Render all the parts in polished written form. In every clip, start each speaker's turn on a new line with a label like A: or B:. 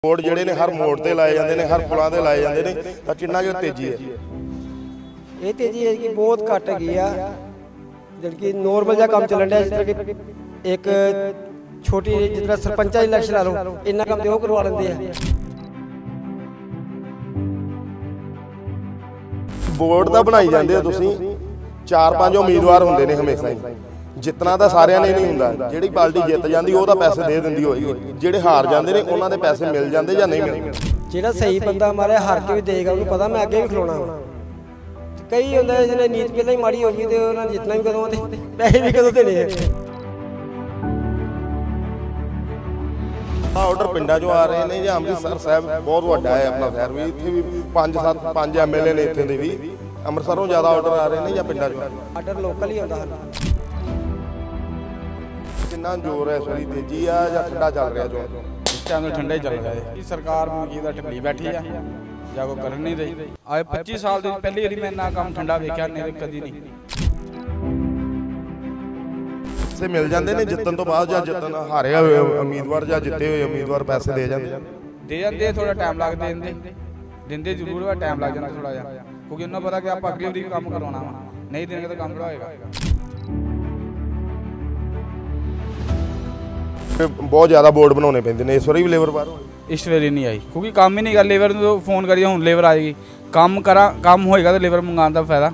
A: Board ਜਿਹੜੇ ਨੇ ਹਰ ਮੋੜ ਤੇ ਲਾਏ ਜਾਂਦੇ ਨੇ, ਹਰ ਪੁਲਾਂ ਤੇ ਲਾਏ ਜਾਂਦੇ ਨੇ, ਤਾਂ ਕਿੰਨਾ ਕੁ ਤੇਜ਼ੀ ਹੈ?
B: ਇਹ ਤੇਜ਼ੀ ਹੈ ਕਿ ਬਹੁਤ ਘੱਟ ਹੈਗੀ ਆ। ਜਿਹੜੀ ਕਿ ਨੋਰਮਲ ਜਿਹਾ ਕੰਮ ਚੱਲਣ ਡਿਆ, ਜਿਸ ਤਰ੍ਹਾਂ ਕਿ ਇੱਕ ਛੋਟੀ ਜਿਸ ਤਰ੍ਹਾਂ ਸਰਪੰਚਾਂ ਦੀ ਇਲੈਕਸ਼ਨ ਲਾ ਲਓ, ਇੰਨਾ ਕੰਮ ਤੇ ਉਹ ਕਰਵਾ ਲੈਂਦੇ ਆ।
A: ਬੋਰਡ ਤਾਂ ਬਣਾਈ ਜਾਂਦੇ ਹੋ ਤੁਸੀਂ, 4-5 ਉਮੀਦਵਾਰ ਹੁੰਦੇ ਨੇ ਹਮੇਸ਼ਾ ਹੀ। ਜਿੱਤਣਾ ਤਾਂ ਸਾਰਿਆਂ ਨੇ ਨਹੀਂ ਹੁੰਦਾ, ਜਿਹੜੀ ਪਾਰਟੀ ਜਿੱਤ ਜਾਂਦੀ ਉਹ ਤਾਂ ਪੈਸੇ ਦੇ ਦਿੰਦੀ ਹੋਏਗੀ, ਜਿਹੜੇ ਹਾਰ ਜਾਂਦੇ ਨੇ ਉਹਨਾਂ ਦੇ ਪੈਸੇ ਮਿਲ ਜਾਂਦੇ ਜਾਂ ਨਹੀਂ ਮਿਲਦੇ।
B: ਜਿਹੜਾ ਸਹੀ ਬੰਦਾ ਮਾਰੇ ਹਾਰ ਕੇ ਵੀ ਦੇਗਾ, ਉਹਨੂੰ ਪਤਾ ਮੈਂ ਅੱਗੇ ਵੀ ਖਲੋਣਾ ਵਾ। ਕਈ ਹੁੰਦਾ ਜਿਹਨੇ ਨੀਤ ਪਹਿਲਾਂ ਹੀ ਮਾੜੀ ਹੋ ਗਈ ਤੇ ਉਹਨਾਂ ਨੇ ਜਿੱਤਣਾ ਵੀ ਕਦੋਂ ਤੇ ਪੈਸੇ ਵੀ ਕਦੋਂ ਦੇਣੇ ਆ।
A: ਆਰਡਰ ਪਿੰਡਾਂ 'ਚੋਂ ਆ ਰਹੇ ਨੇ ਜਾਂ ਅੰਮ੍ਰਿਤਸਰ ਸਾਹਿਬ ਬਹੁਤ ਵੱਡਾ ਹੈ ਆਪਣਾ ਸ਼ਹਿਰ ਵੀ, ਇੱਥੇ ਵੀ 5 ਐਮਐਲਏ ਨੇ ਇੱਥੇ ਦੇ ਵੀ। ਅੰਮ੍ਰਿਤਸਰੋਂ ਜ਼ਿਆਦਾ ਆਰਡਰ ਆ ਰਹੇ ਨੇ ਜਾਂ ਪਿੰਡਾਂ 'ਚੋਂ?
B: ਆਰਡਰ ਲੋਕਲ ਹੀ ਆਉਂਦਾ ਹਨ।
A: ਕਿੰਨਾ ਜ਼ੋਰ ਹੈ, ਸੋਰੀ ਤੇਜ਼ੀ ਆ ਜਾਂ ਠੰਡਾ ਚੱਲ ਰਿਹਾ? ਜੋ
C: ਇਸ ਟਾਈਮ ਤਾਂ ਠੰਡਾ ਹੀ ਚੱਲ ਰਿਹਾ ਹੈ। ਸਰਕਾਰ ਮਨਕੀ ਦਾ ਢਿੱਲੀ ਬੈਠੀ ਆ ਜਾਂ ਕੋਈ ਕਰਨ ਨਹੀਂ ਰਹੀ। ਆਏ 25 ਸਾਲ ਦੀ ਪਹਿਲੀ ਵਾਰੀ ਮੈਂ ਨਾ ਕੰਮ ਠੰਡਾ ਵੇਖਿਆ, ਨਹੀਂ ਕਦੀ ਨਹੀਂ।
A: ਪੈਸੇ ਮਿਲ ਜਾਂਦੇ ਨੇ ਜਿੱਤਣ ਤੋਂ ਬਾਅਦ, ਜਾਂ ਜਿੱਤਣ ਹਾਰੇ ਹੋਏ ਉਮੀਦਵਾਰ ਜਾਂ ਜਿੱਤੇ ਹੋਏ ਉਮੀਦਵਾਰ ਪੈਸੇ ਦੇ ਜਾਂਦੇ?
C: ਥੋੜਾ ਟਾਈਮ ਲੱਗਦਾ, ਦਿੰਦੇ ਜ਼ਰੂਰ ਵਾ, ਟਾਈਮ ਲੱਗ ਜਾਂਦਾ ਥੋੜਾ ਜਿਹਾ, ਕਿਉਂਕਿ ਉਹਨਾਂ ਪਤਾ ਕਿ ਆਪਾਂ ਅਗਲੀ ਵਾਰੀ ਵੀ ਕੰਮ ਕਰਵਾਉਣਾ ਵਾ, ਨਹੀਂ ਦੇਣਗੇ ਤਾਂ ਕੰਮ ਹੋਏਗਾ।
A: ਬਹੁਤ ਜ਼ਿਆਦਾ ਬੋਰਡ ਬਣਾਉਣੇ ਪੈਂਦੇ ਨੇ, ਇਸ ਵਾਰੀ ਵੀ ਲੇਬਰ ਬਾਹਰੋਂ
C: ਇਸ ਵੇਲੇ ਨਹੀਂ ਆਈ, ਕਿਉਂਕਿ ਕੰਮ ਹੀ ਨਹੀਂ ਕਰ। ਲੇਬਰ ਨੂੰ ਫੋਨ ਕਰੀਏ ਹੁਣ ਲੇਬਰ ਆਏਗੀ, ਕੰਮ ਹੋਏਗਾ ਤਾਂ ਲੇਬਰ ਮੰਗਾਉਣ ਦਾ ਫਾਇਦਾ।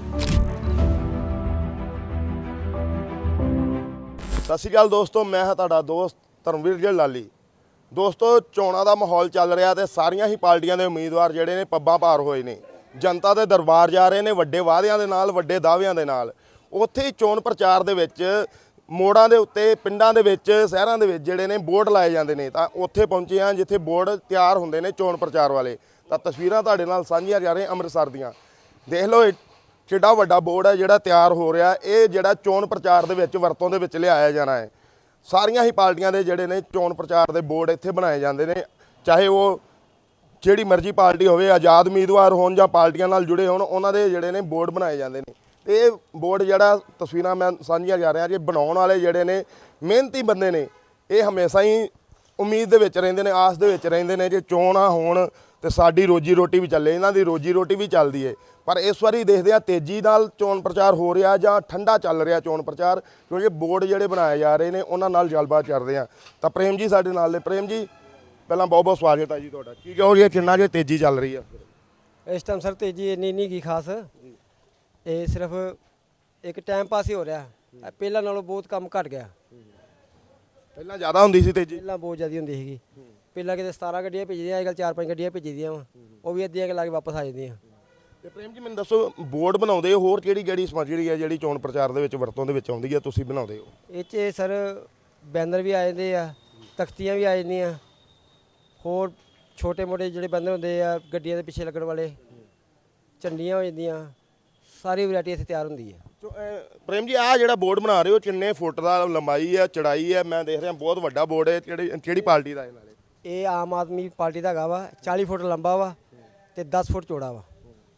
A: ਸਤਿ ਸ਼੍ਰੀ ਅਕਾਲ ਦੋਸਤੋ, ਮੈਂ ਹਾਂ ਤੁਹਾਡਾ ਦੋਸਤ ਧਰਮਵੀਰ ਜੀ ਲਾਲੀ। ਦੋਸਤੋ, ਚੋਣਾਂ ਦਾ ਮਾਹੌਲ ਚੱਲ ਰਿਹਾ ਤੇ ਸਾਰੀਆਂ ਹੀ ਪਾਰਟੀਆਂ ਦੇ ਉਮੀਦਵਾਰ ਜਿਹੜੇ ਨੇ ਪੱਬਾਂ ਭਾਰ ਹੋਏ ਨੇ, ਜਨਤਾ ਦੇ ਦਰਬਾਰ ਜਾ ਰਹੇ ਨੇ ਵੱਡੇ ਵਾਅਦਿਆਂ ਦੇ ਨਾਲ, ਵੱਡੇ ਦਾਅਵਿਆਂ ਦੇ ਨਾਲ। ਉੱਥੇ ਹੀ ਚੋਣ ਪ੍ਰਚਾਰ ਦੇ ਵਿੱਚ ਮੋੜਾਂ ਦੇ ਉੱਤੇ, ਪਿੰਡਾਂ ਦੇ ਵਿੱਚ, ਸ਼ਹਿਰਾਂ ਦੇ ਵਿੱਚ ਜਿਹੜੇ ਨੇ ਬੋਰਡ ਲਾਏ ਜਾਂਦੇ ਨੇ, ਤਾਂ ਉੱਥੇ ਪਹੁੰਚੇ ਹਾਂ ਜਿੱਥੇ ਬੋਰਡ ਤਿਆਰ ਹੁੰਦੇ ਨੇ ਚੋਣ ਪ੍ਰਚਾਰ ਵਾਲੇ। ਤਾਂ ਤਸਵੀਰਾਂ ਤੁਹਾਡੇ ਨਾਲ ਸਾਂਝੀਆਂ ਜਾ ਰਹੀਆਂ ਅੰਮ੍ਰਿਤਸਰ ਦੀਆਂ। ਦੇਖ ਲਓ ਕਿੱਡਾ ਵੱਡਾ ਬੋਰਡ ਹੈ ਜਿਹੜਾ ਤਿਆਰ ਹੋ ਰਿਹਾ। ਇਹ ਜਿਹੜਾ ਚੋਣ ਪ੍ਰਚਾਰ ਦੇ ਵਿੱਚ ਵਰਤੋਂ ਦੇ ਵਿੱਚ ਲਿਆਇਆ ਜਾਣਾ ਹੈ। ਸਾਰੀਆਂ ਹੀ ਪਾਰਟੀਆਂ ਦੇ ਜਿਹੜੇ ਨੇ ਚੋਣ ਪ੍ਰਚਾਰ ਦੇ ਬੋਰਡ ਇੱਥੇ ਬਣਾਏ ਜਾਂਦੇ ਨੇ, ਚਾਹੇ ਉਹ ਜਿਹੜੀ ਮਰਜ਼ੀ ਪਾਰਟੀ ਹੋਵੇ, ਆਜ਼ਾਦ ਉਮੀਦਵਾਰ ਹੋਣ ਜਾਂ ਪਾਰਟੀਆਂ ਨਾਲ ਜੁੜੇ ਹੋਣ, ਉਹਨਾਂ ਦੇ ਜਿਹੜੇ ਨੇ ਬੋਰਡ ਬਣਾਏ ਜਾਂਦੇ ਨੇ। ਤੇ ਇਹ ਬੋਰਡ ਜਿਹੜਾ ਤਸਵੀਰਾਂ ਮੈਂ ਸਾਂਝੀਆਂ ਜਾ ਰਿਹਾ, ਜੇ ਬਣਾਉਣ ਵਾਲੇ ਜਿਹੜੇ ਨੇ ਮਿਹਨਤੀ ਬੰਦੇ ਨੇ, ਇਹ ਹਮੇਸ਼ਾ ਹੀ ਉਮੀਦ ਦੇ ਵਿੱਚ ਰਹਿੰਦੇ ਨੇ, ਆਸ ਦੇ ਵਿੱਚ ਰਹਿੰਦੇ ਨੇ ਜੇ ਚੋਣਾਂ ਹੋਣ ਤੇ ਸਾਡੀ ਰੋਜੀ ਰੋਟੀ ਵੀ ਚੱਲੇ। ਇਹਨਾਂ ਦੀ ਰੋਜੀ ਰੋਟੀ ਵੀ ਚੱਲਦੀ ਹੈ। ਪਰ ਇਸ ਵਾਰੀ ਦੇਖਦੇ ਆ ਤੇਜ਼ੀ ਨਾਲ ਚੋਣ ਪ੍ਰਚਾਰ ਹੋ ਰਿਹਾ ਜਾਂ ਠੰਡਾ ਚੱਲ ਰਿਹਾ ਚੋਣ ਪ੍ਰਚਾਰ, ਕਿਉਂਕਿ ਬੋਰਡ ਜਿਹੜੇ ਬਣਾਏ ਜਾ ਰਹੇ ਨੇ ਉਹਨਾਂ ਨਾਲ ਗੱਲਬਾਤ ਕਰਦੇ ਆ। ਤਾਂ ਪ੍ਰੇਮ ਜੀ ਸਾਡੇ ਨਾਲ ਨੇ। ਪ੍ਰੇਮ ਜੀ, ਪਹਿਲਾਂ ਬਹੁਤ ਬਹੁਤ ਸਵਾਗਤ ਹੈ ਜੀ ਤੁਹਾਡਾ। ਕੀ ਕਹੋ ਜੀ, ਕਿੰਨਾ ਜੇ ਤੇਜ਼ੀ ਚੱਲ ਰਹੀ ਆ
B: ਇਸ ਟਾਈਮ ਸਰ? ਤੇਜ਼ੀ ਇੰਨੀ ਨਹੀਂ ਕੀ ਖਾਸ, ਇਹ ਸਿਰਫ ਇੱਕ ਟਾਈਮ ਪਾਸ ਹੀ ਹੋ ਰਿਹਾ। ਪਹਿਲਾਂ ਨਾਲੋਂ ਬਹੁਤ ਕੰਮ ਘਟ ਗਿਆ।
A: ਪਹਿਲਾਂ ਜ਼ਿਆਦਾ ਹੁੰਦੀ ਸੀ ਤੇਜ਼ੀ?
B: ਪਹਿਲਾਂ ਬਹੁਤ ਜ਼ਿਆਦਾ ਹੁੰਦੀ ਸੀਗੀ। ਪਹਿਲਾਂ ਕਿਤੇ 17 ਗੱਡੀਆਂ ਭੇਜਦੀਆਂ, ਅੱਜ ਕੱਲ੍ਹ 4-5 ਗੱਡੀਆਂ ਭੇਜਦੀਆਂ ਵਾ, ਉਹ ਵੀ ਅੱਧੀਆਂ ਲਾ ਕੇ ਵਾਪਸ ਆ ਜਾਂਦੀਆਂ।
A: ਤੇ ਪ੍ਰੇਮ ਜੀ, ਮੈਨੂੰ ਦੱਸੋ, ਬੋਰਡ ਬਣਾਉਂਦੇ ਹੋ, ਹੋਰ ਕਿਹੜੀ ਸਮੱਗਰੀ ਹੈ ਜਿਹੜੀ ਚੋਣ ਪ੍ਰਚਾਰ ਦੇ ਵਿੱਚ ਵਰਤੋਂ ਦੇ ਵਿੱਚ ਆਉਂਦੀ ਹੈ, ਤੁਸੀਂ ਬਣਾਉਂਦੇ ਹੋ?
B: ਇਹ 'ਚ ਸਰ ਬੈਨਰ ਵੀ ਆ ਜਾਂਦੇ ਆ, ਤਖਤੀਆਂ ਵੀ ਆ ਜਾਂਦੀਆਂ, ਹੋਰ ਛੋਟੇ ਮੋਟੇ ਜਿਹੜੇ ਬੈਨਰ ਹੁੰਦੇ ਆ ਗੱਡੀਆਂ ਦੇ ਪਿੱਛੇ ਲੱਗਣ ਵਾਲੇ, ਝੰਡੀਆਂ ਹੋ ਜਾਂਦੀਆਂ, ਸਾਰੀ ਵੈਰਾਈਟੀ ਇੱਥੇ ਤਿਆਰ ਹੁੰਦੀ ਹੈ।
A: ਪ੍ਰੇਮ ਜੀ, ਆਹ ਜਿਹੜਾ ਬੋਰਡ ਬਣਾ ਰਹੇ ਹੋ, ਕਿੰਨੇ ਫੁੱਟ ਦਾ ਲੰਬਾਈ ਹੈ, ਚੜਾਈ ਹੈ? ਮੈਂ ਦੇਖ ਰਿਹਾ ਬਹੁਤ ਵੱਡਾ ਬੋਰਡ ਹੈ। ਕਿਹੜੀ ਪਾਰਟੀ ਦਾ?
B: ਇਹ ਆਮ ਆਦਮੀ ਪਾਰਟੀ ਦਾ ਹੈਗਾ ਵਾ। 40 ਫੁੱਟ ਲੰਬਾ ਵਾ ਤੇ 10 ਫੁੱਟ ਚੌੜਾ ਵਾ।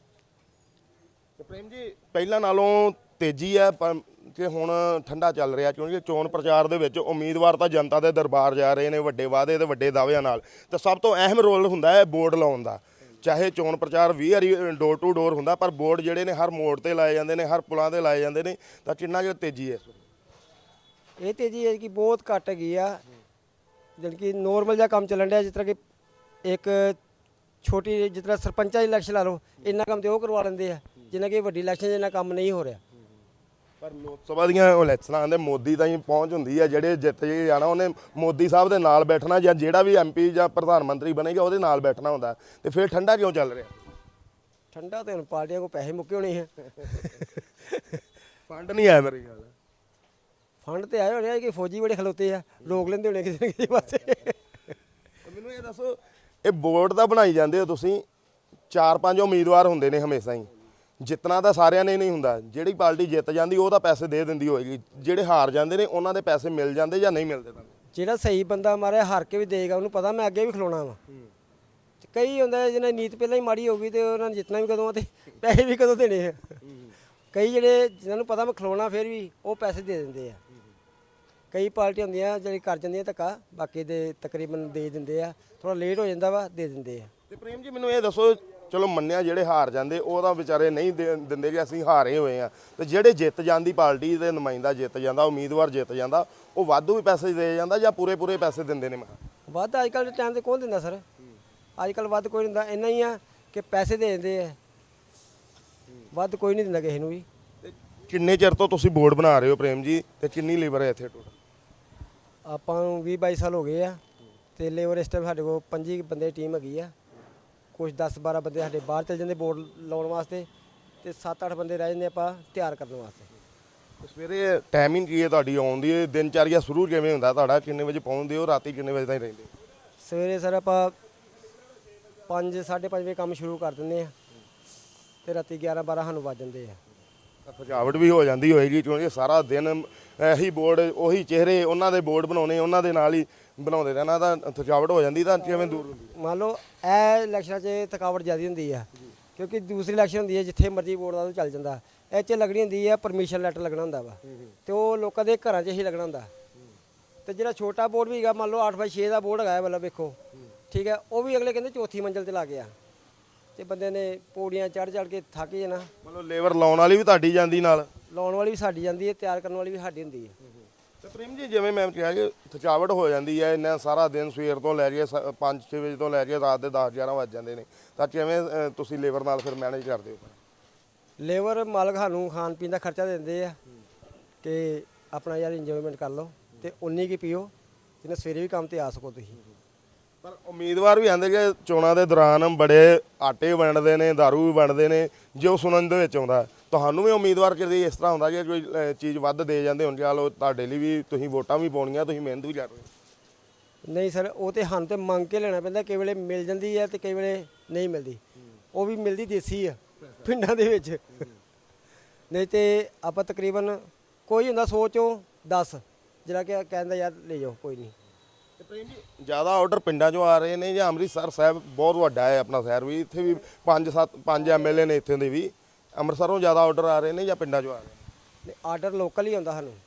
A: ਤੇ ਪ੍ਰੇਮ ਜੀ, ਪਹਿਲਾਂ ਨਾਲੋਂ ਤੇਜ਼ੀ ਹੈ ਕਿ ਹੁਣ ਠੰਡਾ ਚੱਲ ਰਿਹਾ? ਕਿਉਂਕਿ ਚੋਣ ਪ੍ਰਚਾਰ ਦੇ ਵਿੱਚ ਉਮੀਦਵਾਰ ਤਾਂ ਜਨਤਾ ਦੇ ਦਰਬਾਰ ਜਾ ਰਹੇ ਨੇ ਵੱਡੇ ਵਾਅਦੇ ਤੇ ਵੱਡੇ ਦਾਅਵਿਆਂ ਨਾਲ, ਤੇ ਸਭ ਤੋਂ ਅਹਿਮ ਰੋਲ ਹੁੰਦਾ ਹੈ ਬੋਰਡ ਲਾਉਣ ਦਾ। ਚਾਹੇ ਚੋਣ ਪ੍ਰਚਾਰ 20 ਵਾਰੀ ਡੋਰ ਟੂ ਡੋਰ ਹੁੰਦਾ, ਪਰ ਬੋਰਡ ਜਿਹੜੇ ਨੇ ਹਰ ਮੋੜ ਤੇ ਲਾਏ ਜਾਂਦੇ ਨੇ, ਹਰ ਪੁਲਾਂ ਤੇ ਲਾਏ ਜਾਂਦੇ ਨੇ। ਤਾਂ ਕਿੰਨਾ ਕੁ ਤੇਜ਼ੀ ਹੈ?
B: ਇਹ ਤੇਜ਼ੀ ਹੈ ਕਿ ਬਹੁਤ ਘੱਟ ਹੈਗੀ ਆ। ਜਿਹੜੀ ਕਿ ਨੋਰਮਲ ਜਿਹਾ ਕੰਮ ਚੱਲਣ ਡਿਆ, ਜਿਸ ਤਰ੍ਹਾਂ ਕਿ ਇੱਕ ਛੋਟੀ ਜਿਸ ਤਰ੍ਹਾਂ ਸਰਪੰਚਾਂ ਦੀ ਇਲੈਕਸ਼ਨ ਲਾ ਲਓ, ਇੰਨਾ ਕੰਮ ਤੇ ਉਹ ਕਰਵਾ ਲੈਂਦੇ ਆ, ਜਿੰਨਾ ਕਿ ਵੱਡੀ ਇਲੈਕਸ਼ਨ 'ਚ ਇੰਨਾ ਕੰਮ ਨਹੀਂ ਹੋ ਰਿਹਾ।
A: ਪਰ ਲੋਕ ਸਭਾ ਦੀਆਂ ਇਲੈਕਸ਼ਨਾਂ ਆਉਂਦੇ ਮੋਦੀ ਤਾਂ ਹੀ ਪਹੁੰਚ ਹੁੰਦੀ ਹੈ, ਜਿਹੜੇ ਜਿੱਤ ਕੇ ਜਾਣਾ ਉਹਨੇ ਮੋਦੀ ਸਾਹਿਬ ਦੇ ਨਾਲ ਬੈਠਣਾ, ਜਾਂ ਜਿਹੜਾ ਵੀ ਐਮਪੀ ਜਾਂ ਪ੍ਰਧਾਨ ਮੰਤਰੀ ਬਣੇਗਾ ਉਹਦੇ ਨਾਲ ਬੈਠਣਾ ਹੁੰਦਾ। ਤੇ ਫਿਰ ਠੰਡਾ ਕਿਉਂ ਚੱਲ ਰਿਹਾ?
B: ਠੰਡਾ ਤੇ ਹੁਣ ਪਾਰਟੀਆਂ ਕੋਲ ਪੈਸੇ ਮੁੱਕੇ ਹੋਣੇ ਆ।
A: ਫੰਡ ਨਹੀਂ ਆਇਆ ਮੇਰੇ ਖਿਆਲ।
B: ਫੰਡ ਤੇ ਆਏ ਹੋਣੇ ਆ ਕਿ ਫੌਜੀ ਬੜੇ ਖਲੋਤੇ ਆ, ਰੋਕ ਲੈਂਦੇ ਹੋਣੇ ਕਿਸੇ ਨਾ ਕਿਸੇ ਪਾਸੇ।
A: ਮੈਨੂੰ ਇਹ ਦੱਸੋ, ਇਹ ਬੋਰਡ ਤਾਂ ਬਣਾਈ ਜਾਂਦੇ ਹੋ ਤੁਸੀਂ, 4-5 ਉਮੀਦਵਾਰ ਹੁੰਦੇ ਨੇ ਹਮੇਸ਼ਾ ਹੀ। ਜਿੱਤਣਾ ਤਾਂ ਸਾਰਿਆਂ ਨੇ ਨਹੀਂ ਹੁੰਦਾ, ਜਿਹੜੀ ਪਾਰਟੀ ਜਿੱਤ ਜਾਂਦੀ ਉਹ ਤਾਂ ਪੈਸੇ ਦੇ ਦਿੰਦੀ ਹੋਏਗੀ, ਜਿਹੜੇ ਹਾਰ ਜਾਂਦੇ ਨੇ ਉਹਨਾਂ ਦੇ ਪੈਸੇ ਮਿਲ ਜਾਂਦੇ ਜਾਂ ਨਹੀਂ ਮਿਲਦੇ? ਤੁਹਾਨੂੰ
B: ਜਿਹੜਾ ਸਹੀ ਬੰਦਾ ਮਾਰੇ ਹਾਰ ਕੇ ਵੀ ਦੇਗਾ, ਉਹਨੂੰ ਪਤਾ ਮੈਂ ਅੱਗੇ ਵੀ ਖਲੋਣਾ ਵਾ। ਕਈ ਹੁੰਦਾ ਜਿਹਨੇ ਨੀਤ ਪਹਿਲਾਂ ਹੀ ਮਾੜੀ ਹੋ ਗਈ ਤੇ ਉਹਨਾਂ ਨੇ ਜਿੱਤਣਾ ਵੀ ਕਦੋਂ ਤੇ ਪੈਸੇ ਵੀ ਕਦੋਂ ਦੇਣੇ ਆ। ਕਈ ਜਿਹੜੇ ਜਿਹਨਾਂ ਨੂੰ ਪਤਾ ਮੈਂ ਖਲੋਣਾ ਫਿਰ ਵੀ ਉਹ ਪੈਸੇ ਦੇ ਦਿੰਦੇ ਆ। ਕਈ ਪਾਰਟੀਆਂ ਹੁੰਦੀਆਂ ਜਿਹੜੀ ਕਰ ਜਾਂਦੀਆਂ ਧੱਕਾ, ਬਾਕੀ ਦੇ ਤਕਰੀਬਨ ਦੇ ਦਿੰਦੇ ਆ, ਥੋੜਾ ਲੇਟ ਹੋ ਜਾਂਦਾ ਵਾ, ਦੇ ਦਿੰਦੇ ਆ।
A: ਤੇ ਪ੍ਰੇਮ ਜੀ ਮੈਨੂੰ ਇਹ ਦੱਸੋ, ਚਲੋ ਮੰਨਿਆ ਜਿਹੜੇ ਹਾਰ ਜਾਂਦੇ ਉਹ ਤਾਂ ਵਿਚਾਰੇ ਨਹੀਂ ਦਿੰਦੇ ਕਿ ਅਸੀਂ ਹਾਰੇ ਹੋਏ ਆ, ਤੇ ਜਿਹੜੇ ਜਿੱਤ ਜਾਂਦੀ ਪਾਰਟੀ ਦੇ ਨੁਮਾਇੰਦਾ ਜਿੱਤ ਜਾਂਦਾ, ਉਮੀਦਵਾਰ ਜਿੱਤ ਜਾਂਦਾ, ਉਹ ਵਾਧੂ ਵੀ ਪੈਸੇ ਦੇ ਜਾਂਦਾ ਜਾਂ ਪੂਰੇ ਪੈਸੇ ਦਿੰਦੇ ਨੇ? ਮੈਂ
B: ਵੱਧ ਅੱਜ ਕੱਲ੍ਹ ਦੇ ਟਾਈਮ ਤੇ ਕੌਣ ਦਿੰਦਾ ਸਰ? ਅੱਜ ਕੱਲ੍ਹ ਵੱਧ ਕੋਈ ਨਹੀਂ ਦਿੰਦਾ, ਇੰਨਾ ਹੀ ਆ ਕਿ ਪੈਸੇ ਦੇ ਦਿੰਦੇ ਆ, ਵੱਧ ਕੋਈ ਨਹੀਂ ਦਿੰਦਾ ਕਿਸੇ ਨੂੰ ਵੀ।
A: ਤੇ ਕਿੰਨੇ ਚਿਰ ਤੋਂ ਤੁਸੀਂ ਬੋਰਡ ਬਣਾ ਰਹੇ ਹੋ ਪ੍ਰੇਮ ਜੀ, ਤੇ ਕਿੰਨੀ ਲੇਬਰ ਹੈ ਇੱਥੇ ਟੋਟਲ?
B: ਆਪਾਂ ਨੂੰ 20-22 ਸਾਲ ਹੋ ਗਏ ਆ, ਤੇ ਲੇਬਰ ਇਸ ਟਾਈਮ ਸਾਡੇ ਕੋਲ 25 ਬੰਦੇ ਦੀ ਟੀਮ ਹੈਗੀ ਆ। ਕੁਝ 10-12 ਬੰਦੇ ਸਾਡੇ ਬਾਹਰ ਚਲ ਜਾਂਦੇ ਬੋਰਡ ਲਾਉਣ ਵਾਸਤੇ, ਤੇ 7-8 ਬੰਦੇ ਰਹਿ ਜਾਂਦੇ ਆਪਾਂ ਤਿਆਰ ਕਰਨ ਵਾਸਤੇ।
A: ਸਵੇਰੇ ਟਾਈਮਿੰਗ ਕੀ ਹੈ ਤੁਹਾਡੀ ਆਉਣ ਦੀ? ਦਿਨਚਰਿਆ ਸ਼ੁਰੂ ਕਿਵੇਂ ਹੁੰਦਾ ਤੁਹਾਡਾ? ਕਿੰਨੇ ਵਜੇ ਪਹੁੰਚਦੇ ਹੋ? ਰਾਤੀ ਕਿੰਨੇ ਵਜੇ ਤਾਈਂ ਰਹਿੰਦੇ?
B: ਸਵੇਰੇ ਸਰ ਆਪਾਂ 5-5:30 ਵਜੇ ਕੰਮ ਸ਼ੁਰੂ ਕਰ ਦਿੰਦੇ ਆ, ਤੇ ਰਾਤੀ 11-12 ਸਾਨੂੰ ਵੱਜ ਜਾਂਦੇ ਆ।
A: ਥਕਾਵਟ ਵੀ ਹੋ ਜਾਂਦੀ ਹੋਏਗੀ, ਕਿਉਂਕਿ ਸਾਰਾ ਦਿਨ ਇਹੀ ਬੋਰਡ, ਉਹੀ ਚਿਹਰੇ, ਉਹਨਾਂ ਦੇ ਬੋਰਡ ਬਣਾਉਣੇ, ਉਹਨਾਂ ਦੇ ਨਾਲ ਹੀ ਬਣਾਉਂਦੇ ਰਹਿਣਾ, ਤਾਂ ਥਕਾਵਟ ਹੋ ਜਾਂਦੀ, ਤਾਂ ਕਿਵੇਂ ਦੂਰ ਹੁੰਦੀ?
B: ਮੰਨ ਲਓ ਇਹ ਇਲੈਕਸ਼ਨਾਂ 'ਚ ਥਕਾਵਟ ਜ਼ਿਆਦਾ ਹੁੰਦੀ ਆ, ਕਿਉਂਕਿ ਦੂਸਰੀ ਇਲੈਕਸ਼ਨ ਹੁੰਦੀ ਹੈ ਜਿੱਥੇ ਮਰਜ਼ੀ ਬੋਰਡ ਦਾ ਚੱਲ ਜਾਂਦਾ। ਇਹ 'ਚ ਲੱਗਣੀ ਹੁੰਦੀ ਆ ਪਰਮਿਸ਼ਨ ਲੈਟਰ ਲੱਗਣਾ ਹੁੰਦਾ ਵਾ, ਤੇ ਉਹ ਲੋਕਾਂ ਦੇ ਘਰਾਂ 'ਚ ਹੀ ਲੱਗਣਾ ਹੁੰਦਾ। ਤੇ ਜਿਹੜਾ ਛੋਟਾ ਬੋਰਡ ਵੀ ਹੈਗਾ, ਮੰਨ ਲਓ 8x6 ਦਾ ਬੋਰਡ ਹੈਗਾ, ਮਤਲਬ ਵੇਖੋ ਠੀਕ ਹੈ, ਉਹ ਵੀ ਅਗਲੇ ਕਹਿੰਦੇ ਚੌਥੀ ਮੰਜ਼ਿਲ ਤੇ ਲਾ ਗਿਆ, ਤੇ ਬੰਦੇ ਨੇ ਪੌੜੀਆਂ ਚੜ੍ਹ ਕੇ ਥੱਕ ਜਾਣਾ।
A: ਮਤਲਬ ਲੇਬਰ ਲਾਉਣ ਵਾਲੀ ਵੀ ਤੁਹਾਡੀ ਜਾਂਦੀ ਨਾਲ?
B: ਲਾਉਣ ਵਾਲੀ ਵੀ ਸਾਡੀ ਜਾਂਦੀ ਹੈ, ਤਿਆਰ ਕਰਨ ਵਾਲੀ ਵੀ ਸਾਡੀ ਹੁੰਦੀ ਹੈ।
A: ਤੇ ਪ੍ਰੇਮ ਜੀ ਜਿਵੇਂ ਮੈਂ ਕਿਹਾ ਕਿ ਥਕਾਵਟ ਹੋ ਜਾਂਦੀ ਹੈ, ਇੰਨਾ ਸਾਰਾ ਦਿਨ ਸਵੇਰ ਤੋਂ ਲੈ ਕੇ 5-6 ਵਜੇ ਤੋਂ ਲੈ ਕੇ ਰਾਤ ਦੇ 10-11 ਵੱਜ ਜਾਂਦੇ ਨੇ, ਤਾਂ ਕਿਵੇਂ ਤੁਸੀਂ ਲੇਬਰ ਨਾਲ ਫਿਰ ਮੈਨੇਜ ਕਰਦੇ ਹੋ?
B: ਲੇਬਰ ਮਾਲਕ ਸਾਨੂੰ ਖਾਣ ਪੀਣ ਦਾ ਖਰਚਾ ਦਿੰਦੇ ਆ ਕਿ ਆਪਣਾ ਯਾਰ ਇੰਜੋਇਮੈਂਟ ਕਰ ਲਓ, ਤੇ ਉਨੀ ਕੀ ਪੀਓ ਜਿੰਨਾ ਸਵੇਰੇ ਵੀ ਕੰਮ ਤੇ ਆ ਸਕੋ ਤੁਸੀਂ।
A: ਪਰ ਉਮੀਦਵਾਰ ਵੀ ਆਂਦੇ ਕਿ ਚੋਣਾਂ ਦੇ ਦੌਰਾਨ ਬੜੇ ਆਟੇ ਵੰਡਦੇ ਨੇ, ਦਾਰੂ ਵੀ ਵੰਡਦੇ ਨੇ, ਜੋ ਸੁਣਨ ਦੇ ਵਿੱਚ ਆਉਂਦਾ। ਤੁਹਾਨੂੰ ਵੀ ਉਮੀਦਵਾਰ ਕਦੇ ਇਸ ਤਰ੍ਹਾਂ ਹੁੰਦਾ ਕਿ ਕੋਈ ਚੀਜ਼ ਵੱਧ ਦੇ ਜਾਂਦੇ ਹੁਣ, ਚਲੋ ਤੁਹਾਡੇ ਲਈ ਵੀ ਤੁਸੀਂ ਵੋਟਾਂ ਵੀ ਪਾਉਣੀਆਂ, ਤੁਸੀਂ ਮਿਹਨਤ ਵੀ ਕਰ ਰਹੇ ਹੋ?
B: ਨਹੀਂ ਸਰ, ਉਹ ਤੇ ਸਾਨੂੰ ਤੇ ਮੰਗ ਕੇ ਲੈਣਾ ਪੈਂਦਾ, ਕਈ ਵੇਲੇ ਮਿਲ ਜਾਂਦੀ ਹੈ ਤੇ ਕਈ ਵੇਲੇ ਨਹੀਂ ਮਿਲਦੀ। ਉਹ ਵੀ ਮਿਲਦੀ ਦੇਸੀ ਆ ਪਿੰਡਾਂ ਦੇ ਵਿੱਚ, ਨਹੀਂ ਤੇ ਆਪਾਂ ਤਕਰੀਬਨ ਕੋਈ ਹੁੰਦਾ 100 ਚੋਂ 10 ਜਿਹੜਾ ਕਿ ਕਹਿੰਦਾ ਯਾਰ ਲੈ ਜਾਓ ਕੋਈ ਨਹੀਂ।
A: ਤੇ ਪ੍ਰੇਮ ਜੀ ਜ਼ਿਆਦਾ ਆਰਡਰ ਪਿੰਡਾਂ 'ਚੋਂ ਆ ਰਹੇ ਨੇ ਜਾਂ ਅੰਮ੍ਰਿਤਸਰ ਸਾਹਿਬ ਬਹੁਤ ਵੱਡਾ ਹੈ ਆਪਣਾ ਸ਼ਹਿਰ ਵੀ, ਇੱਥੇ ਵੀ 5 ਐਮਐਲਏ ਨੇ ਇੱਥੇ ਦੇ ਵੀ, ਅੰਮ੍ਰਿਤਸਰੋਂ ਜ਼ਿਆਦਾ ਆਰਡਰ ਆ ਰਹੇ ਨੇ ਜਾਂ ਪਿੰਡਾਂ 'ਚੋਂ ਆ ਰਹੇ ਨੇ?
B: ਆਰਡਰ ਲੋਕਲ ਹੀ ਆਉਂਦਾ ਸਾਨੂੰ,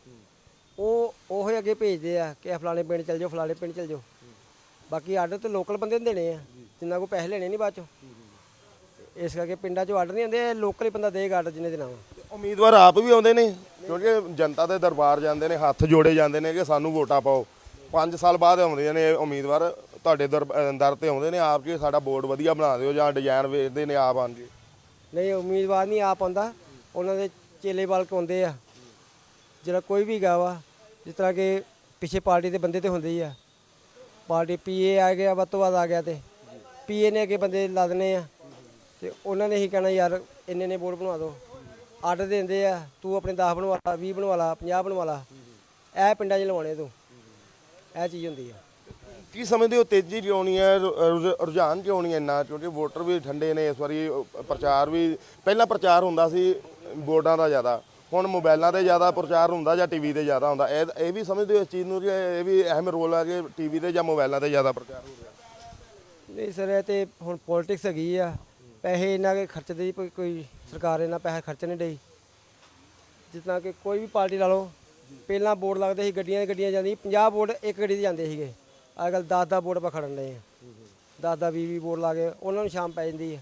B: ਉਹ ਹੀ ਅੱਗੇ ਭੇਜਦੇ ਆ ਕਿ ਫਲਾਣੇ ਪਿੰਡ ਚਲ ਜਾਓ, ਫਲਾਣੇ ਪਿੰਡ ਚਲ ਜਾਓ। ਬਾਕੀ ਆਰਡਰ ਤੇ ਲੋਕਲ ਬੰਦੇ ਨੂੰ ਦੇਣੇ ਆ, ਜਿੰਨਾ ਕੋ ਪੈਸੇ ਲੈਣੇ ਨਹੀਂ ਬਾਅਦ ਚੋਂ। ਇਸ ਕਰਕੇ ਪਿੰਡਾਂ 'ਚੋਂ ਆਰਡਰ ਨਹੀਂ ਆਉਂਦੇ, ਲੋਕਲ ਹੀ ਬੰਦਾ ਦੇਗਾ ਆਰਡਰ ਜਿੰਨੇ ਦੇਣਾ ਵਾ।
A: ਉਮੀਦਵਾਰ ਆਪ ਵੀ ਆਉਂਦੇ ਨੇ, ਕਿਉਂਕਿ ਜਨਤਾ ਦੇ ਦਰਬਾਰ ਜਾਂਦੇ ਨੇ, ਹੱਥ ਜੋੜੇ ਜਾਂਦੇ ਨੇ ਕਿ ਸਾਨੂੰ ਵੋਟਾਂ ਪਾਓ। 5 ਸਾਲ ਬਾਅਦ ਆਉਂਦੇ ਨੇ ਉਮੀਦਵਾਰ, ਤੁਹਾਡੇ ਦਰ ਤੇ ਆਉਂਦੇ ਨੇ ਆਪ ਕਿ ਸਾਡਾ ਬੋਰਡ ਵਧੀਆ ਬਣਾ ਦਿਓ, ਜਾਂ ਡਿਜ਼ਾਈਨ ਵੇਚਦੇ ਨੇ ਆਪ ਆਣਗੇ?
B: ਨਹੀਂ, ਉਮੀਦਵਾਰ ਨਹੀਂ ਆਪ ਆਉਂਦਾ, ਉਹਨਾਂ ਦੇ ਚੇਲੇ ਬਾਲਕ ਆਉਂਦੇ ਆ। ਜਿਹੜਾ ਕੋਈ ਵੀ ਗਾ ਵਾ, ਜਿਸ ਤਰ੍ਹਾਂ ਕਿ ਪਿੱਛੇ ਪਾਰਟੀ ਦੇ ਬੰਦੇ ਤੇ ਹੁੰਦੇ ਹੀ ਆ, ਪਾਰਟੀ ਪੀਏ ਆ ਗਿਆ, ਵੱਧ ਤੋਂ ਵੱਧ ਆ ਗਿਆ, ਤੇ ਪੀਏ ਨੇ ਅੱਗੇ ਬੰਦੇ ਲਾ ਦੇਣੇ ਆ, ਤੇ ਉਹਨਾਂ ਨੇ ਹੀ ਕਹਿਣਾ ਯਾਰ ਇੰਨੇ ਬੋਰਡ ਬਣਵਾ ਦਿਓ। ਆਰਡਰ ਦਿੰਦੇ ਆ, ਤੂੰ ਆਪਣੇ 10 ਬਣਵਾ ਲਾ, 20 ਬਣਵਾ ਲਾ, 50 ਬਣਵਾ ਲਾ, ਇਹ ਪਿੰਡਾਂ 'ਚ ਲਵਾਉਣੇ ਤੂੰ, ਇਹ ਚੀਜ਼ ਹੁੰਦੀ ਆ।
A: ਕੀ ਸਮਝਦੇ ਹੋ ਤੇਜ਼ੀ ਕਿਉਂ ਨਹੀਂ ਹੈ, ਰੁਝਾਨ ਕਿਉਂ ਨਹੀਂ ਇੰਨਾ? ਕਿਉਂਕਿ ਵੋਟਰ ਵੀ ਠੰਡੇ ਨੇ ਇਸ ਵਾਰੀ, ਪ੍ਰਚਾਰ ਵੀ ਪਹਿਲਾਂ ਪ੍ਰਚਾਰ ਹੁੰਦਾ ਸੀ ਬੋਰਡਾਂ ਦਾ ਜ਼ਿਆਦਾ, ਹੁਣ ਮੋਬਾਈਲਾਂ ਤੇ ਜ਼ਿਆਦਾ ਪ੍ਰਚਾਰ ਹੁੰਦਾ ਜਾਂ ਟੀਵੀ ਤੇ ਜ਼ਿਆਦਾ ਹੁੰਦਾ? ਇਹ ਵੀ ਸਮਝਦੇ ਹੋ ਇਸ ਚੀਜ਼ ਨੂੰ ਕਿ ਇਹ ਵੀ ਅਹਿਮ ਰੋਲ ਹੈ ਕਿ ਟੀਵੀ ਤੇ ਜਾਂ ਮੋਬਾਈਲਾਂ ਤੇ ਜ਼ਿਆਦਾ ਪ੍ਰਚਾਰ ਹੋ ਰਿਹਾ?
B: ਨਹੀਂ ਸਰ, ਇਹ ਤੇ ਹੁਣ ਪੋਲਿਟਿਕਸ ਹੈਗੀ ਆ, ਪੈਸੇ ਇਹਨਾਂ ਕੇ ਖਰਚਦੇ ਹੀ ਕੋਈ ਸਰਕਾਰ ਇਹਨਾਂ ਪੈਸੇ ਖਰਚ ਨਹੀਂ ਡਈ। ਜਿਸ ਤਰ੍ਹਾਂ ਕਿ ਕੋਈ ਵੀ ਪਾਰਟੀ ਲਾ ਲਓ, ਪਹਿਲਾਂ ਬੋਰਡ ਲੱਗਦੇ ਸੀ, ਗੱਡੀਆਂ ਜਾਂਦੀਆਂ, 50 ਬੋਰਡ ਇੱਕ ਗੱਡੀ 'ਤੇ ਜਾਂਦੇ ਸੀਗੇ, ਅੱਜ ਕੱਲ੍ਹ 10 ਬੋਰਡ ਆਪਾਂ ਖੜਨ ਲਏ ਆ, 10-20 ਬੋਰਡ ਲਾ ਕੇ ਉਹਨਾਂ ਨੂੰ ਸ਼ਾਮ ਪੈ ਜਾਂਦੀ ਹੈ।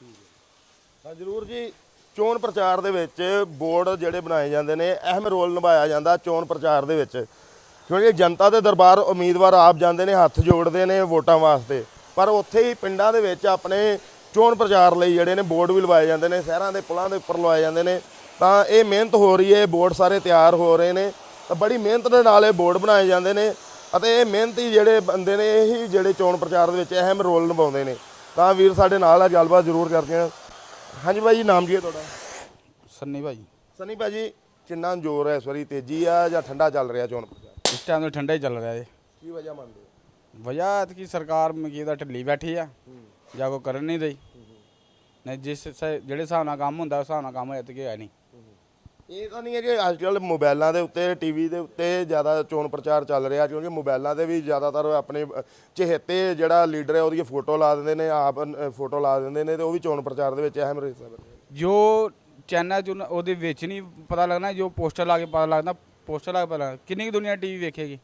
A: ਹਾਂ ਜ਼ਰੂਰ ਜੀ, ਚੋਣ ਪ੍ਰਚਾਰ ਦੇ ਵਿੱਚ ਬੋਰਡ ਜਿਹੜੇ ਬਣਾਏ ਜਾਂਦੇ ਨੇ, ਅਹਿਮ ਰੋਲ ਨਿਭਾਇਆ ਜਾਂਦਾ ਚੋਣ ਪ੍ਰਚਾਰ ਦੇ ਵਿੱਚ, ਕਿਉਂਕਿ ਜਨਤਾ ਦੇ ਦਰਬਾਰ ਉਮੀਦਵਾਰ ਆਪ ਜਾਂਦੇ ਨੇ, ਹੱਥ ਜੋੜਦੇ ਨੇ ਵੋਟਾਂ ਵਾਸਤੇ, ਪਰ ਉੱਥੇ ਹੀ ਪਿੰਡਾਂ ਦੇ ਵਿੱਚ ਆਪਣੇ ਚੋਣ ਪ੍ਰਚਾਰ ਲਈ ਜਿਹੜੇ ਨੇ ਬੋਰਡ ਵੀ ਲਵਾਏ ਜਾਂਦੇ ਨੇ, ਸ਼ਹਿਰਾਂ ਦੇ ਪੁਲਾਂ ਦੇ ਉੱਪਰ ਲਵਾਏ ਜਾਂਦੇ ਨੇ। ਤਾਂ ਇਹ ਮਿਹਨਤ ਹੋ ਰਹੀ ਹੈ, ਬੋਰਡ ਸਾਰੇ ਤਿਆਰ ਹੋ ਰਹੇ ਨੇ, ਤਾਂ ਬੜੀ ਮਿਹਨਤ ਦੇ ਨਾਲ ਇਹ ਬੋਰਡ ਬਣਾਏ ਜਾਂਦੇ ਨੇ, ਅਤੇ ਇਹ ਮਿਹਨਤੀ ਜਿਹੜੇ ਬੰਦੇ ਨੇ ਇਹੀ ਜਿਹੜੇ ਚੋਣ ਪ੍ਰਚਾਰ ਦੇ ਵਿੱਚ ਅਹਿਮ ਰੋਲ ਨਿਭਾਉਂਦੇ ਨੇ। ਤਾਂ ਵੀਰ ਸਾਡੇ ਨਾਲ ਆ, ਗੱਲਬਾਤ ਜ਼ਰੂਰ ਕਰਦੇ ਹਾਂ। ਹਾਂਜੀ ਭਾਈ ਜੀ, ਨਾਮ ਕੀ ਹੈ ਤੁਹਾਡਾ?
C: ਸੰਨੀ ਭਾਈ।
A: ਸਨੀ ਭਾਜੀ, ਕਿੰਨਾ ਜ਼ੋਰ ਹੈ ਇਸ ਵਾਰੀ, ਤੇਜ਼ੀ ਆ ਜਾਂ ਠੰਡਾ ਚੱਲ ਰਿਹਾ ਚੋਣ ਪ੍ਰਚਾਰ?
C: ਇਸ ਟਾਈਮ ਤਾਂ ਠੰਡਾ ਹੀ ਚੱਲ ਰਿਹਾ ਜੀ।
A: ਕੀ ਵਜ੍ਹਾ ਮੰਨਦੇ ਹੋ?
C: ਵਜ੍ਹਾ ਐਤਕੀ ਸਰਕਾਰ ਮਕੀ ਦਾ ਢਿੱਲੀ ਬੈਠੀ ਆ, ਜਾਂ ਕੋਈ ਕਰਨ ਨਹੀਂ ਰਹੀ। ਨਹੀਂ ਜਿਹੜੇ ਹਿਸਾਬ ਨਾਲ ਕੰਮ ਹੁੰਦਾ ਉਸ ਹਿਸਾਬ ਨਾਲ ਕੰਮ ਐਤਕੀ ਹੈ ਨਹੀਂ।
A: ਇਹ ਤਾਂ ਨਹੀਂ ਹੈ ਕਿ ਅੱਜ ਕੱਲ੍ਹ ਮੋਬਾਈਲਾਂ ਦੇ ਉੱਤੇ, ਟੀਵੀ ਦੇ ਉੱਤੇ ਜ਼ਿਆਦਾ ਚੋਣ ਪ੍ਰਚਾਰ ਚੱਲ ਰਿਹਾ, ਕਿਉਂਕਿ ਮੋਬਾਈਲਾਂ 'ਤੇ ਵੀ ਜ਼ਿਆਦਾਤਰ ਆਪਣੇ ਚਹੇਤੇ ਜਿਹੜਾ ਲੀਡਰ ਹੈ ਉਹਦੀ ਫੋਟੋ ਲਾ ਦਿੰਦੇ ਨੇ, ਆਪ ਫੋਟੋ ਲਾ ਦਿੰਦੇ ਨੇ, ਤੇ ਉਹ ਵੀ ਚੋਣ ਪ੍ਰਚਾਰ ਦੇ ਵਿੱਚ ਅਹਿਮ ਹਿੱਸਾ ਬਣ ਰਿਹਾ।
C: ਜੋ ਚੈਨਲ 'ਚ ਉਹਦੇ ਵਿੱਚ ਨਹੀਂ ਪਤਾ ਲੱਗਣਾ, ਜੋ ਪੋਸਟਰ ਲਾ ਕੇ ਪਤਾ ਲੱਗਦਾ ਪੋਸਟਰ ਲੱਗ ਪਤਾ ਕਿੰਨੀ ਕੁ ਦੁਨੀਆ ਟੀਵੀ ਵੇਖੇਗੀ।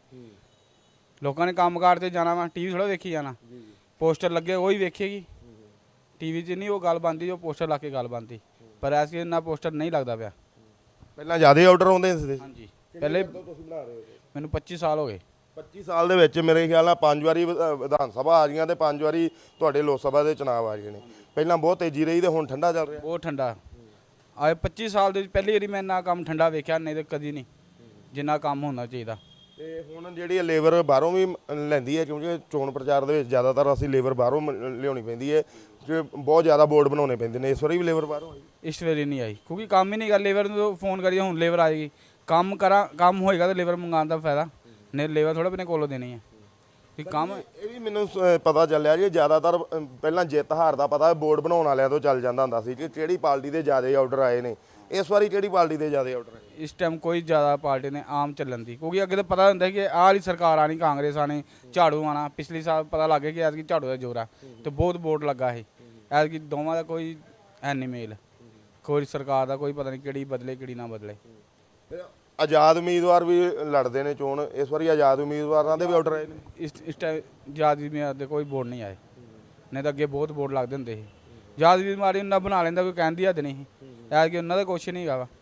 C: ਲੋਕਾਂ ਨੇ ਕੰਮਕਾਰ ਤੇ ਜਾਣਾ ਵਾ, ਟੀਵੀ ਥੋੜਾ ਵੇਖੀ ਜਾਣਾ। ਪੋਸਟਰ ਲੱਗੇ ਉਹ ਹੀ ਵੇਖੇਗੀ। ਟੀਵੀ 'ਚ ਨਹੀਂ ਉਹ ਗੱਲ ਬਣਦੀ ਜੋ ਪੋਸਟਰ ਲਾ ਕੇ ਗੱਲ ਬਣਦੀ। ਪਰ ਐਸ ਕਿ ਇੰਨਾ ਪੋਸਟਰ ਨਹੀਂ ਲੱਗਦਾ ਪਿਆ।
A: ਪਹਿਲਾਂ ਜ਼ਿਆਦਾ ਆਰਡਰ ਆਉਂਦੇ ਸੀ।
C: ਹਾਂਜੀ ਪਹਿਲੇ
A: ਤੁਸੀਂ ਬਣਾ ਰਹੇ ਹੋ
C: ਮੈਨੂੰ 25 ਸਾਲ ਹੋ ਗਏ।
A: 25 ਸਾਲ ਦੇ ਵਿੱਚ ਮੇਰੇ ਖਿਆਲ ਨਾਲ 5 ਵਾਰੀ ਵਿਧਾਨ ਸਭਾ ਆ ਗਈਆਂ ਤੇ 5 ਵਾਰੀ ਤੁਹਾਡੇ ਲੋਕ ਸਭਾ ਦੇ ਚੁਣਾਵ ਆ ਗਏ ਨੇ। ਪਹਿਲਾਂ ਬਹੁਤ ਤੇਜ਼ੀ ਰਹੀ ਤੇ ਹੁਣ ਠੰਡਾ ਚੱਲ ਰਿਹਾ।
C: ਬਹੁਤ ਠੰਡਾ ਆਏ 25 ਸਾਲ ਦੇ ਵਿੱਚ ਪਹਿਲੀ ਵਾਰੀ ਮੈਂ ਇੰਨਾ ਕੰਮ ਠੰਡਾ ਵੇਖਿਆ, ਨਹੀਂ ਤੇ ਕਦੀ ਨਹੀਂ ਜਿੰਨਾ ਕੰਮ ਹੋਣਾ ਚਾਹੀਦਾ।
A: ਤੇ ਹੁਣ ਜਿਹੜੀ ਲੇਬਰ ਬਾਹਰੋਂ ਵੀ ਲੈਂਦੀ ਹੈ, ਕਿਉਂਕਿ ਚੋਣ ਪ੍ਰਚਾਰ ਦੇ ਵਿੱਚ ਜ਼ਿਆਦਾਤਰ ਅਸੀਂ ਲੇਬਰ ਬਾਹਰੋਂ ਲਿਆਉਣੀ ਪੈਂਦੀ ਹੈ ਕਿ ਬਹੁਤ ਜ਼ਿਆਦਾ ਬੋਰਡ ਬਣਾਉਣੇ ਪੈਂਦੇ ਨੇ। ਇਸ ਵਾਰੀ ਵੀ ਲੇਬਰ ਬਾਹਰੋਂ ਆਈ?
C: ਇਸ ਵਾਰੀ ਨਹੀਂ ਆਈ ਕਿਉਂਕਿ ਕੰਮ ਹੀ ਨਹੀਂ ਕਰ। ਲੇਬਰ ਨੂੰ ਫੋਨ ਕਰੀਏ ਹੁਣ ਲੇਬਰ ਆਏਗੀ, ਕੰਮ ਹੋਏਗਾ ਤਾਂ ਲੇਬਰ ਮੰਗਾਉਣ ਦਾ ਫਾਇਦਾ, ਨਹੀਂ ਲੇਬਰ ਥੋੜਾ ਆਪਣੇ ਕੋਲੋਂ ਦੇਣੀ ਹੈ ਕਿ ਕੰਮ।
A: ਇਹ ਵੀ ਮੈਨੂੰ ਪਤਾ ਚੱਲਿਆ ਜੀ ਜ਼ਿਆਦਾਤਰ ਪਹਿਲਾਂ ਜਿੱਤ ਹਾਰ ਦਾ ਪਤਾ ਬੋਰਡ ਬਣਾਉਣ ਵਾਲਿਆਂ ਤੋਂ ਚੱਲ ਜਾਂਦਾ ਹੁੰਦਾ ਸੀ ਕਿ ਕਿਹੜੀ ਪਾਰਟੀ ਦੇ ਜ਼ਿਆਦਾ ਆਰਡਰ ਆਏ ਨੇ। ਇਸ ਵਾਰੀ ਕਿਹੜੀ ਪਾਰਟੀ ਦੇ ਜ਼ਿਆਦਾ ਆਰਡਰ ਆਏ?
C: ਇਸ ਟਾਈਮ ਕੋਈ ਜ਼ਿਆਦਾ ਪਾਰਟੀ ਨੇ ਆਮ ਚੱਲਣ ਦੀ, ਕਿਉਂਕਿ ਅੱਗੇ ਤਾਂ ਪਤਾ ਹੁੰਦਾ ਕਿ ਆਹ ਵਾਲੀ ਸਰਕਾਰ ਆਣੀ, ਕਾਂਗਰਸ ਆਣੀ, ਝਾੜੂ ਆਣਾ। ਪਿਛਲੀ ਸਾਲ ਪਤਾ ਲੱਗ ਗਿਆ ਕਿ ਐਤਕੀ ਝਾੜੂ ਦਾ ਜ਼ੋਰ ਆ ਤੇ ਬਹੁਤ ਬੋਰਡ ਲੱਗਾ ਸੀ। ਐਤਕੀ ਦੋਵਾਂ ਦਾ ਕੋਈ ਹੈ ਨਹੀਂ ਮੇਲ। ਕੋਈ ਸਰਕਾਰ ਦਾ ਕੋਈ ਪਤਾ ਨਹੀਂ ਕਿਹੜੀ ਬਦਲੇ ਕਿਹੜੀ ਨਾ ਬਦਲੇ।
A: ਆਜ਼ਾਦ ਉਮੀਦਵਾਰ ਵੀ ਲੜਦੇ ਨੇ ਚੋਣ। ਇਸ ਵਾਰੀ ਆਜ਼ਾਦ ਉਮੀਦਵਾਰਾਂ ਦੇ ਵੀ ਆਰਡਰ ਆਏ ਨੇ?
C: ਇਸ ਟਾਈਮ ਯਾਦ ਵੀ ਦੇ ਕੋਈ ਬੋਰਡ ਨਹੀਂ ਆਏ, ਨਹੀਂ ਤਾਂ ਅੱਗੇ ਬਹੁਤ ਬੋਰਡ ਲੱਗਦੇ ਹੁੰਦੇ ਸੀ। ਯਾਦ ਵੀ ਮਾਰੀ ਉਹਨਾਂ ਬਣਾ ਲੈਂਦਾ, ਕੋਈ ਕਹਿਣ ਦੀ ਹੱਦ ਨਹੀਂ ਸੀ। ਐਤਕੀ ਉਹਨਾਂ ਦਾ ਕੁਛ ਨਹੀਂ ਹੈਗਾ ਵਾ,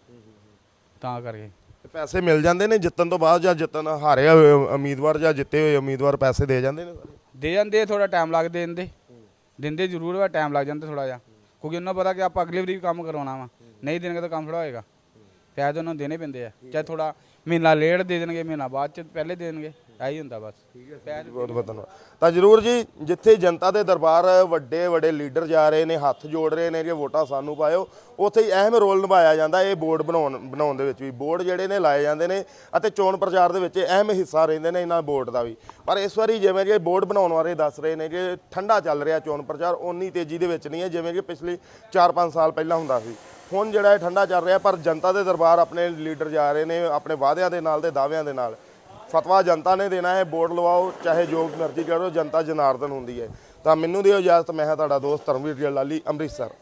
C: ਤਾਂ ਕਰਕੇ।
A: ਤੇ ਪੈਸੇ ਮਿਲ ਜਾਂਦੇ ਨੇ ਜਿੱਤਣ ਤੋਂ ਬਾਅਦ, ਜਾਂ ਜਿੱਤਣ ਹਾਰੇ ਹੋਏ ਉਮੀਦਵਾਰ ਜਾਂ ਜਿੱਤੇ ਹੋਏ ਉਮੀਦਵਾਰ ਪੈਸੇ ਦੇ ਜਾਂਦੇ ਨੇ?
C: ਦੇ ਜਾਂਦੇ, ਥੋੜਾ ਟਾਈਮ ਲੱਗਦੇ ਦਿੰਦੇ ਜ਼ਰੂਰ ਵਾ, ਟਾਈਮ ਲੱਗ ਜਾਂਦਾ ਥੋੜਾ ਜਿਹਾ, ਕਿਉਂਕਿ ਉਹਨਾਂ ਪਤਾ ਕਿ ਆਪਾਂ ਅਗਲੀ ਵਾਰੀ ਵੀ ਕੰਮ ਕਰਵਾਉਣਾ ਵਾ। ਨਹੀਂ ਦੇਣਗੇ ਤਾਂ ਕੰਮ ਥੋੜਾ ਹੋਏਗਾ। ਪੈਸੇ ਉਹਨਾਂ ਨੂੰ ਦੇਣੇ ਪੈਂਦੇ ਆ, ਚਾਹੇ ਥੋੜਾ ਮਹੀਨਾ ਲੇਟ ਦੇ ਦੇਣਗੇ, ਮਹੀਨਾ ਬਾਅਦ ਚ ਪਹਿਲੇ ਦੇ ਦੇਣਗੇ, ਇਹੀ ਹੁੰਦਾ ਬਸ।
A: ਬਹੁਤ ਬਹੁਤ ਧੰਨਵਾਦ। ਤਾਂ ਜ਼ਰੂਰ ਜੀ, ਜਿੱਥੇ ਜਨਤਾ ਦੇ ਦਰਬਾਰ ਵੱਡੇ ਵੱਡੇ ਲੀਡਰ ਜਾ ਰਹੇ ਨੇ, ਹੱਥ ਜੋੜ ਰਹੇ ਨੇ ਕਿ ਵੋਟਾਂ ਸਾਨੂੰ ਪਾਇਓ, ਉੱਥੇ ਹੀ ਅਹਿਮ ਰੋਲ ਨਿਭਾਇਆ ਜਾਂਦਾ ਇਹ ਬੋਰਡ ਬਣਾਉਣ ਦੇ ਵਿੱਚ ਵੀ। ਬੋਰਡ ਜਿਹੜੇ ਨੇ ਲਾਏ ਜਾਂਦੇ ਨੇ ਅਤੇ ਚੋਣ ਪ੍ਰਚਾਰ ਦੇ ਵਿੱਚ ਅਹਿਮ ਹਿੱਸਾ ਰਹਿੰਦੇ ਨੇ ਇਹਨਾਂ ਬੋਰਡ ਦਾ ਵੀ। ਪਰ ਇਸ ਵਾਰੀ ਜਿਵੇਂ ਕਿ ਬੋਰਡ ਬਣਾਉਣ ਬਾਰੇ ਦੱਸ ਰਹੇ ਨੇ ਕਿ ਠੰਡਾ ਚੱਲ ਰਿਹਾ ਚੋਣ ਪ੍ਰਚਾਰ, ਓਨੀ ਤੇਜ਼ੀ ਦੇ ਵਿੱਚ ਨਹੀਂ ਹੈ ਜਿਵੇਂ ਕਿ ਪਿਛਲੇ 4-5 ਸਾਲ ਪਹਿਲਾਂ ਹੁੰਦਾ ਸੀ। ਹੁਣ ਜਿਹੜਾ ਇਹ ਠੰਡਾ ਚੱਲ ਰਿਹਾ, ਪਰ ਜਨਤਾ ਦੇ ਦਰਬਾਰ ਆਪਣੇ ਲੀਡਰ ਜਾ ਰਹੇ ਨੇ ਆਪਣੇ ਵਾਅਦਿਆਂ ਦੇ ਨਾਲ ਤੇ ਦਾਅਵਿਆਂ ਦੇ ਨਾਲ। ਫਤਵਾ ਜਨਤਾ ਨੇ ਦੇਣਾ ਹੈ, ਵੋਟ ਲਵਾਓ ਚਾਹੇ ਜੋ ਮਰਜ਼ੀ ਕਰੋ, ਜਨਤਾ ਜਨਾਰਦਨ ਹੁੰਦੀ ਹੈ। ਤਾਂ ਮੈਨੂੰ ਦਿਓ ਇਜਾਜ਼ਤ। ਮੈਂ ਹਾਂ ਤੁਹਾਡਾ ਦੋਸਤ ਧਰਮਵੀਰ ਲਾਲੀ, ਅੰਮ੍ਰਿਤਸਰ।